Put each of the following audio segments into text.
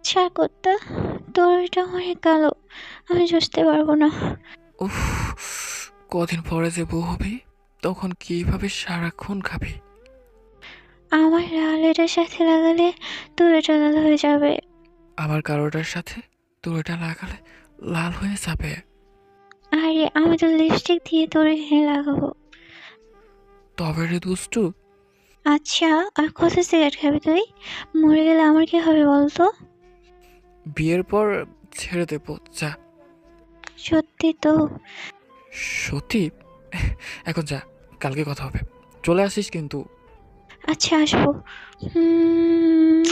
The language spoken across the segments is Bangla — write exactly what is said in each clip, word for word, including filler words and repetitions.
ছাড় কুত্তা, তোর এটা অনেক কালো, আমি বুঝতে পারবো না। উফ, কদিন পরে যে বউ হবি, তখন কিভাবে সারাক্ষণ খাবি? আমার লাল এটার সাথে লাগালে তোর এটা লাল হয়ে যাবে। আমার কারোটার সাথে তোর এটা লাগালে লাল হয়ে যাবে। আরে আমি তো লিপস্টিক দিয়ে তোর এখানে লাগাবো। তবে রে দুষ্টু, আচ্ছা, আর কত সিগারেট খাবি তুই? মরে গেলে আমার কি হবে বলতো? বিয়ের পর ছেড়ে দেবো যা। সত্যি তো? সত্যি? এখন যা, কালকে কথা হবে। চলে আসিস কিন্তু। আচ্ছা, আসবো। উম,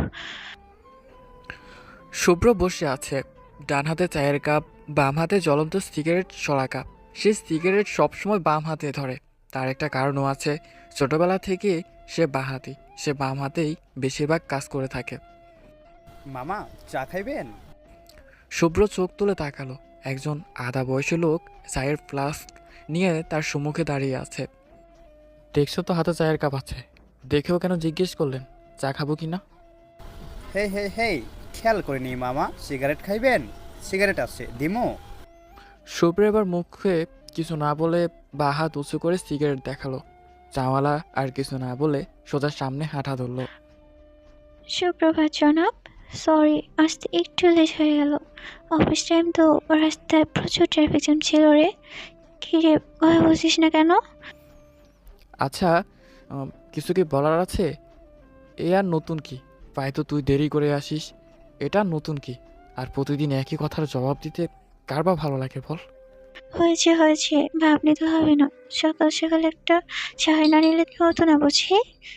শুভ্র বসে আছে, ডান হাতে চায়ের কাপ, বাম হাতে জ্বলন্ত সিগারেট সরা কাপ। সে সিগারেট সবসময় বাম হাতে ধরে। তার একটা কারণও আছে। ছোটবেলা থেকে সে বাঁহাতি, সে বাম হাতেই বেশিরভাগ কাজ করে থাকে। মামা, চা খাইবেন? শুভ্র চোখ তুলে তাকালো। একজন আধা বয়সী লোক চায়ের ফ্লাস্ক নিয়ে তার সম্মুখে দাঁড়িয়ে আছে। দেখছো তো হাতে চায়ের কাপ আছে, দেখেও কেন জিজ্ঞেস করলেন চা খাবো কি না? হে হে হে, খেয়াল করিনি মামা, সিগারেট খাইবেন? সিগারেট আছে, দিমু? শুভ্র এবার মুখে কিছু না বলে বা হাত উঁচু করে সিগারেট দেখালো। চাওয়ালা আর কিছু না বলে সোজা সামনে হাঁটা ধরলো। সুপ্রভাত জনাব। সরি, আসতে একটু লেট হয়ে গেল। অফিস টাইম তো, রাস্তায় প্রচুর ট্রাফিক জ্যাম ছিল রে। কি রে, কথা বলছিস না কেন? আচ্ছা, উম, কিছু কি বলার আছে? এ আর নতুন কি? পাই তো তুই দেরি করে আসিস, এটা নতুন কি? আর প্রতিদিন একই কথার জবাব দিতে কার বা ভালো লাগে বল? হয়েছে হয়েছে, ভাবনি তো হবে না। সকাল সকাল একটা চায় না নিলে কি হতো না বুঝি?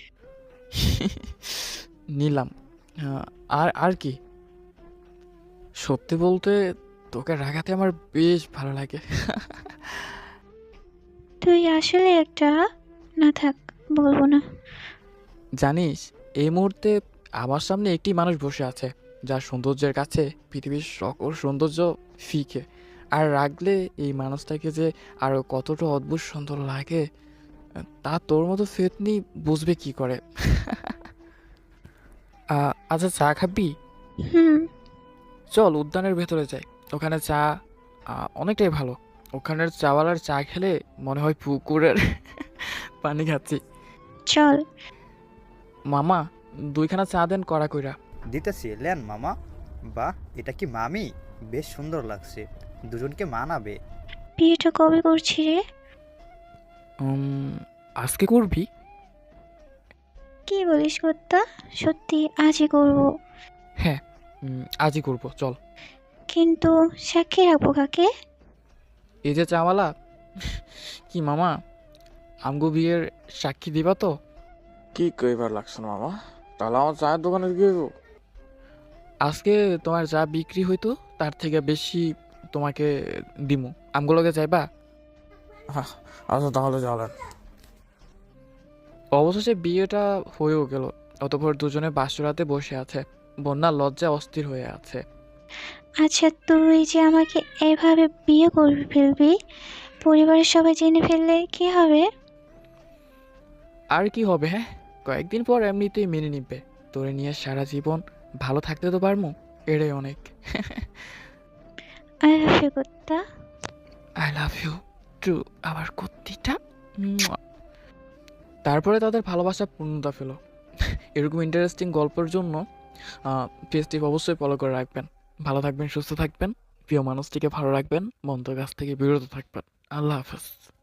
নিলাম। আহ, আর আর কি? সত্যি বলতে তোকে রাগাতে আমার বেশ ভালো লাগে। তুই আসলে একটা, না থাক, বলবো না। জানিস, এই মুহূর্তে আমার সামনে একটি মানুষ বসে আছে যার সৌন্দর্যের কাছে পৃথিবীর সকল সৌন্দর্য ফিকে। আর রাগলে এই মানুষটাকে যে আরো কতটা অদ্ভুত সুন্দর লাগে, তা তোর মতো ফেতনি বুঝবে কি করে? আ- আচ্ছা, চা খাবি? হুম। চল উদ্যানের ভেতরে যাই। ওখানে চা আ, অনেকটাই ভালো। ওখানের চাওয়ালার চা খেলে মনে হয় পুকুরের পানি খাচ্ছি। চল। মামা, দুইখানা চা দেন কড়া কইরা। দিতেছি, লেন মামা। বাহ, এটা কি মামি? বেশ সুন্দর লাগছে, দুজনকে মানাবে। বিয়েটা কবে করছি রে? উম, আজকে করবি? কি বলিস কর্তা? সত্যি আজই করবো? হ্যাঁ, উম, আজই করব, চল। কিন্তু সাক্ষী রাখবো কাকে? এই যে চাওয়ালা, কি মামা, আমগো বিয়ের সাক্ষী দিবা তো? কি কইবার লাগছে মামা? তাহলে আমার চায়ের দোকানে গিয়ে গো। আজকে তোমার যা বিক্রি হইতো তার থেকে বেশি তোমাকে দিমু। আমগুলোকে যাইবা? হ্যাঁ, আচ্ছা তাহলে চলেন। অবশেষে বিয়েটা হয়েও গেল। অতঃপর দুজনে বাসরাতে বসে আছে। বন্যা লজ্জায় অস্থির হয়ে আছে। আচ্ছা, তুই যে আমাকে এভাবে বিয়ে করবি ফেলবি, পরিবারের সবাই জেনে ফেললে কি হবে? আর কি হবে? হ্যাঁ, কয়েকদিন পর এমনিতেই মেনে নিবে। তোরে নিয়ে সারা জীবন ভালো থাকতে তো পারমু, এটাই অনেক। আই লাভ ইউ কুত্তা। আই লাভ ইউ টু, আমার কুত্তিটা। মুয়া। তারপরে তাদের ভালোবাসা পূর্ণতা পেল। এরকম ইন্টারেস্টিং গল্পের জন্য পেজটি অবশ্যই ফলো করে রাখবেন। ভালো থাকবেন, সুস্থ থাকবেন, প্রিয় মানুষটিকে ভালো রাখবেন, মন্দ কাছ থেকে বিরত থাকবেন। আল্লাহ হাফেজ।